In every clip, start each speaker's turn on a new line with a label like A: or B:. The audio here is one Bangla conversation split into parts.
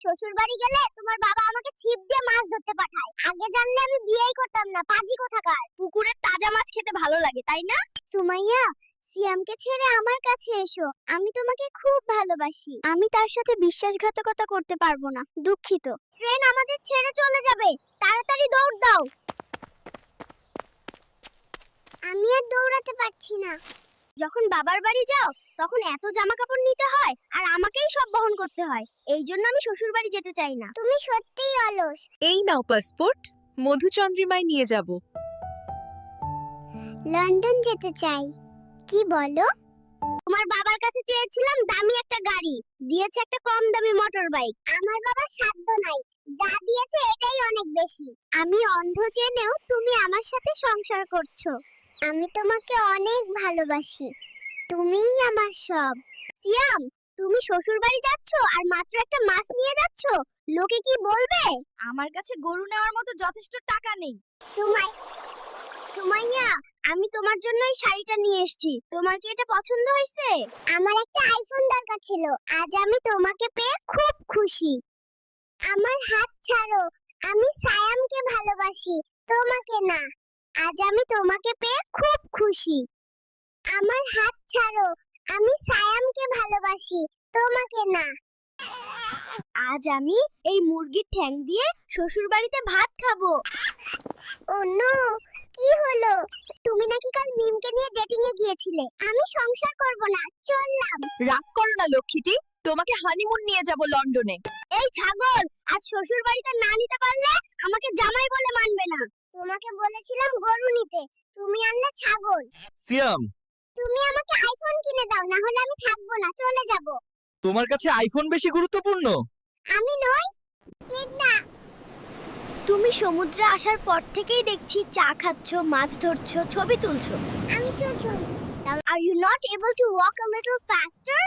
A: শ্বশুর বাড়ি গেলে তোমার বাবা আমাকে ছিপ দিয়ে মাছ ধরতে পাঠায়। আগে জানলে আমি বিয়েই করতাম না, পাজি কোথাকার। পুকুরের তাজা মাছ খেতে ভালো লাগে, তাই না? সুমাইয়া, সিয়ামকে ছেড়ে আমার কাছে এসো। আমি তোমাকে খুব ভালোবাসি। আমি তার সাথে বিশ্বাসঘাতকতা করতে পারবো না, দুঃখিত। ট্রেন আমাদের ছেড়ে চলে যাবে, তাড়াতাড়ি দৌড় দাও। আমি আর দৌড়াতে পারছি না। যখন বাবার বাড়ি যাও তখন এত জামা কাপড় নিতে হয় আর আমাকেই সব বহন করতে হয়। এই জন্য আমি শ্বশুর বাড়ি যেতে চাই না। তুমি সত্যিই অলস।
B: এই নাও পাসপোর্ট, মধুচন্দ্রিমায় নিয়ে যাব।
A: লন্ডন যেতে চাই। কি বলো? তোমার বাবার কাছে চেয়েছিলাম দামি একটা গাড়ি, দিয়েছে একটা কম দামি মোটর বাইক। আমার বাবার সাধ্য নাই, যা দিয়েছে এটাই অনেক বেশি। আমি অন্ধ জেনেও তুমি আমার সাথে সংসার করছো। আমি তোমাকে অনেক ভালোবাসি, তুমিই আমার সব। সিয়াম, তুমি শ্বশুর বাড়ি যাচ্ছ আর মাত্র একটা মাছ নিয়ে যাচ্ছ, লোকে কি বলবে? আমার কাছে গরু নেওয়ার মতো যথেষ্ট টাকা নেই। সুমাইয়া, আমি তোমার জন্য এই শাড়িটা নিয়ে এসেছি। তোমার কি এটা পছন্দ হয়েছে? আমার একটা আইফোন দরকার ছিল। আজ আমি তোমাকে পেয়ে খুব খুশি। আমার হাত ছাড়ো, আমি সায়ামকে ভালোবাসি, তোমাকে না। আজ আমি তোমাকে পেয়ে খুব খুশি। আমার হাত ছাড়ো, আমি সায়ামকে ভালোবাসি, তোমাকে না। আজ আমি এই মুরগির ঠ্যাং দিয়ে শ্বশুর বাড়িতে ভাত খাবো। ও নো, কি হলো? তুমি নাকি কাল মিমকে নিয়ে ডেটিং এ গিয়েছিলে। আমি সংসার করব না, চললাম।
B: রাগ করো না লক্ষ্মীটি, তোমাকে হানিমুন নিয়ে যাব লন্ডনে।
A: এই ছাগল, আজ শ্বশুর বাড়িতে না নিতে পারলে আমাকে জামাই বলে মানবে না। তোমাকে বলেছিলাম গরু নিতে, তুমি আনলে ছাগল।
C: সিয়াম,
A: তুমি আমাকে আইফোন কিনে দাও, না হলে আমি থাকবো না, চলে যাব।
C: তোমার কাছে আইফোন বেশি গুরুত্বপূর্ণ?
A: আমি নই, না। তুমি সমুদ্রে আসার পর থেকেই দেখছি চা খাচ্ছ, মাছ ধরছো, ছবি তুলছো। আমি চলছো। Are you not able to walk a little faster?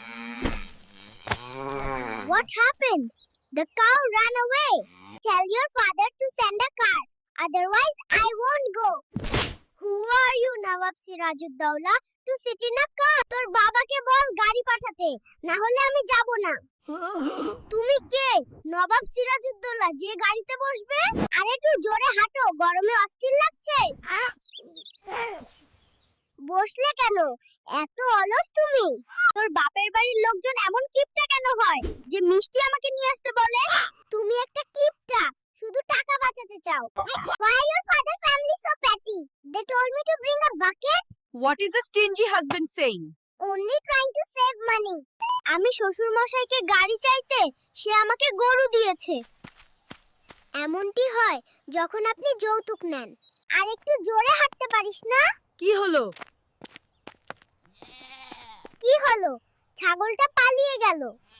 A: What happened? The cow ran away. Tell your father to send a car. Otherwise, I won't go. Who are you, Nawab Sirajuddaulah, to sit in a car? তোর বাবাকে বল গাড়ি পাঠাতে, না হলে আমি যাব না। তুমি কে? নবাব সিরাজউদ্দৌলা, যে গাড়িতে বসবে? আর একটু জোরে হাঁটো, গরমে অস্থির লাগছে। বসলে কেন? এত অলস তুমি? তোর বাপের বাড়ির লোকজন এমন কিপটা কেন হয় যে মিষ্টি আমাকে নিয়ে আসতে বলে? তুমি একটা কিপটা, শুধু টাকা বাঁচাতে চাও। Why your father family so petty? They told me to bring a bucket.
B: What is a stingy husband saying?
A: Only trying to save money. আমি শ্বশুর মশাইকে গাড়ি চাইতে সে আমাকে গরু দিয়েছে। এমনটি হয় যখন আপনি যৌতুক নেন। আর একটু জোরে হাঁটতে পারিস না?
B: কি হলো?
A: কি হলো? ছাগলটা পালিয়ে গেল।